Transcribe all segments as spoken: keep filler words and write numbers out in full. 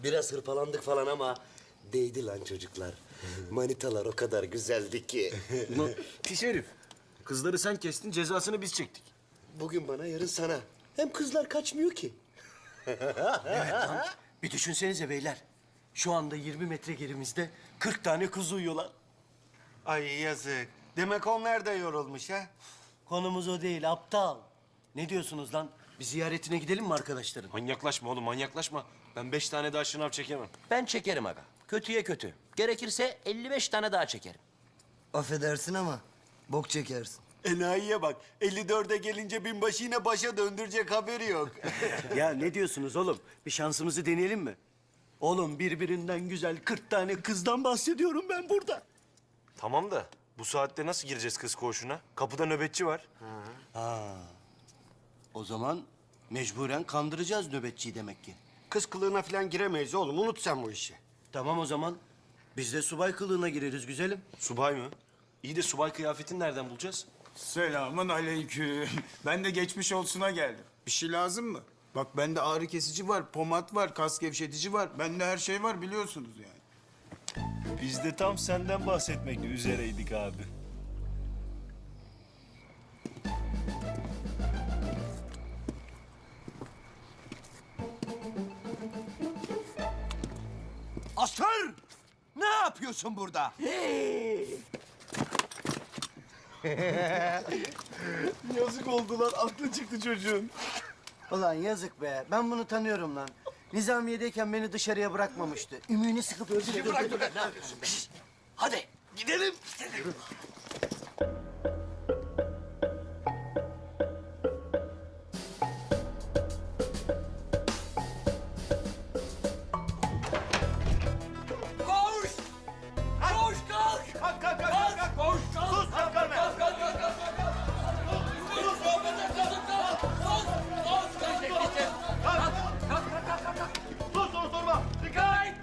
Biraz hırpalandık falan ama değdi lan çocuklar. Manitalar o kadar güzeldi ki. Ulan pis herif. Kızları sen kestin, cezasını biz çektik. Bugün bana, yarın sana. Hem kızlar kaçmıyor ki. Bir düşünsenize beyler. Şu anda yirmi metre gerimizde kırk tane kız uyuyorlar. Ay yazık. Demek onlar da yorulmuş ha? Konumuz o değil, aptal. Ne diyorsunuz lan? Bir ziyaretine gidelim mi arkadaşların? Manyaklaşma oğlum, manyaklaşma. Ben beş tane daha şınav çekemem. Ben çekerim aga. Kötüye kötü. Gerekirse elli beş tane daha çekerim. Affedersin ama bok çekersin. Enayiye bak. elli dörde gelince binbaşı yine başa döndürecek haberi yok. Ya ne diyorsunuz oğlum? Bir şansımızı deneyelim mi? Oğlum birbirinden güzel kırk tane kızdan bahsediyorum ben burada. Tamam da bu saatte nasıl gireceğiz kız koğuşuna? Kapıda nöbetçi var. O zaman mecburen kandıracağız nöbetçiyi demek ki. Kız kılığına falan giremeyiz oğlum. Unut sen bu işi. Tamam o zaman. Biz de subay kılığına gireriz güzelim. Subay mı? İyi de subay kıyafetini nereden bulacağız? Selamun aleyküm. Ben de geçmiş olsuna geldim. Bir şey lazım mı? Bak bende ağrı kesici var, pomat var, kas gevşetici var. Bende her şey var biliyorsunuz yani. Biz de tam senden bahsetmek üzereydik abi. Asker! Ne yapıyorsun burada? Yazık oldu lan. Aklı çıktı çocuğun. Ulan yazık be. Ben bunu tanıyorum lan. Nizamiye'deyken beni dışarıya bırakmamıştı. Ümüğünü sıkıp öldürdü. Bırak dur ne yapıyorsun? Şişt! Hadi gidelim. Gidelim. Koş! Koş kalk! Kalk kalk kalk kalk! Koş kalk! Sus kalk kalk kalk kalk kalk kalk! Sus kalk kalk kalk kalk! Sus! Sus! Kalk kalk kalk kalk kalk kalk! Sus soru sorma! Dikkat!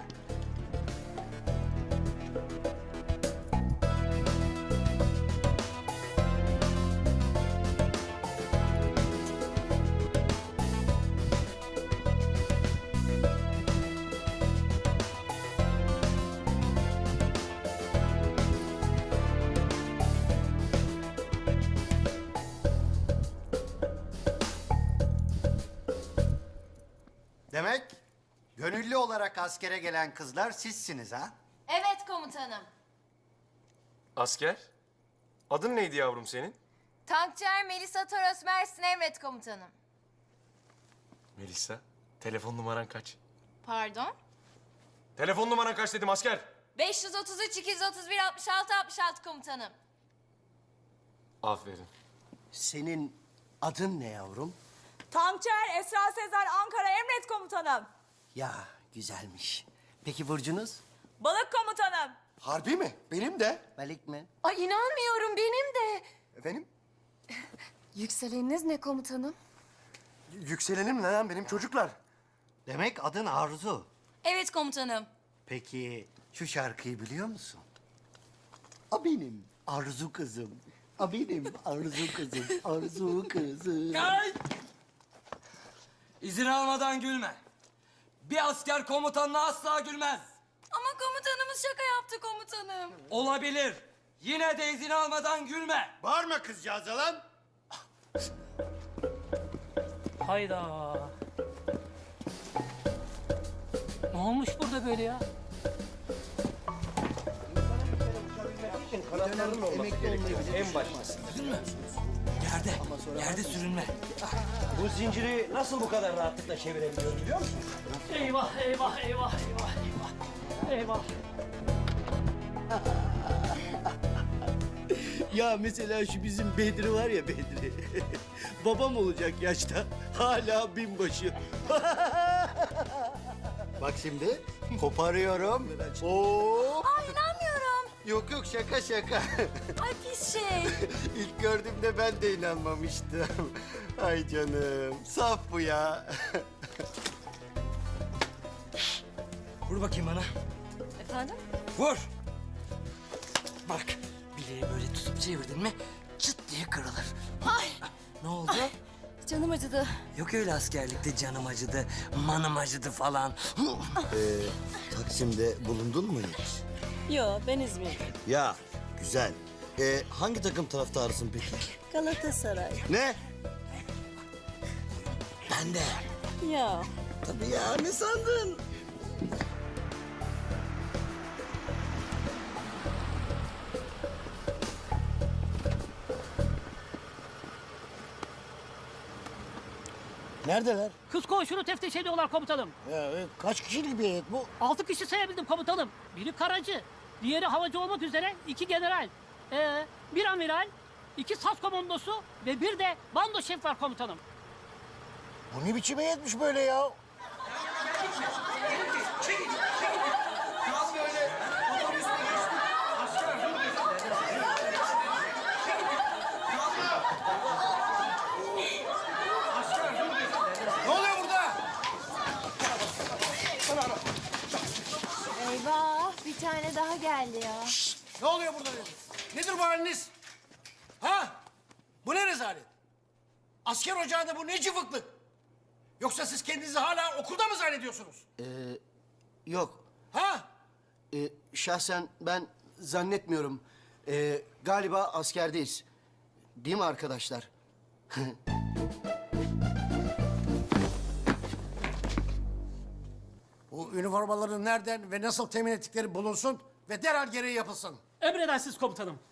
Demek gönüllü olarak askere gelen kızlar sizsiniz ha? Evet komutanım. Asker? Adın neydi yavrum senin? Tankçıer Melisa Toros Mersin emret komutanım. Melisa. Telefon numaran kaç? Pardon? Telefon numaran kaç dedim asker. beş yüz otuz üç iki yüz otuz bir altmış altı altmış altı komutanım. Aferin. Senin adın ne yavrum? Tankçıer Esra Sezer Ankara emret komutanım. Ya güzelmiş. Peki burcunuz? Balık komutanım. Harbi mi? Benim de. Balık mı? Ay inanmıyorum benim de. Efendim? Yükseleniniz ne komutanım? Yükselenim ne lan benim çocuklar? Demek adın Arzu. Evet komutanım. Peki şu şarkıyı biliyor musun? A benim Arzu kızım. A benim Arzu kızım. Arzu kızım. Gel! İzin almadan gülme. Bir asker komutanına asla gülmez. Ama komutanımız şaka yaptı komutanım. Olabilir. Yine de izin almadan gülme. Bağırma kızcağıza lan. Hayda. Ne olmuş burada böyle ya? En başta. Yerde, yerde sürünme. Bu zinciri nasıl bu kadar rahatlıkla çevirebiliyorum biliyor musun? Eyvah, eyvah, eyvah, eyvah, eyvah. Eyvah. Ya mesela şu bizim Bedri var ya Bedri. Babam olacak yaşta. Hala binbaşı. Bak şimdi koparıyorum. Oo. Ay inanmıyorum. Yok yok şaka şaka. Ay pis şey. İlk gördüğümde ben de inanmamıştım. Ay canım. Saf bu ya. Vur bakayım bana. Efendim? Vur. Bak, bileği böyle tutup çevirdin mi çıt diye kırılır. Ay Ne oldu? canım acıdı. Yok öyle askerlikte canım acıdı, manım acıdı falan. Ee, Taksim'de bulundun mu hiç? Yo, ben İzmir'de. Ya güzel. Ee, hangi takım taraftarısın peki? Galatasaray. Ne? Ben de. Ya. Tabii ya, ne sandın? Neredeler? Kız koğuşunu teftiş ediyorlar komutanım. Ya, e, kaç kişilik bir heyet bu? Altı kişi sayabildim komutanım. Biri karacı, diğeri havacı olmak üzere iki general. Ee, bir amiral, iki sas komandosu ve bir de bando şef var komutanım. Bu ne biçim heyetmiş böyle ya? Ne oluyor burada? Eyvah bir tane daha geldi ya. Ne oluyor burada dedim. Nedir bu haliniz? Ha? Bu ne rezalet? Asker ocağında bu ne cıvıklık? Yoksa siz kendinizi hala okulda mı zannediyorsunuz? Yok. Ha? E, şahsen ben zannetmiyorum. E, galiba askerdeyiz. Değil mi arkadaşlar? Bu üniformaların nereden ve nasıl temin ettikleri bulunsun ve derhal gereği yapılsın. Emredersiniz komutanım.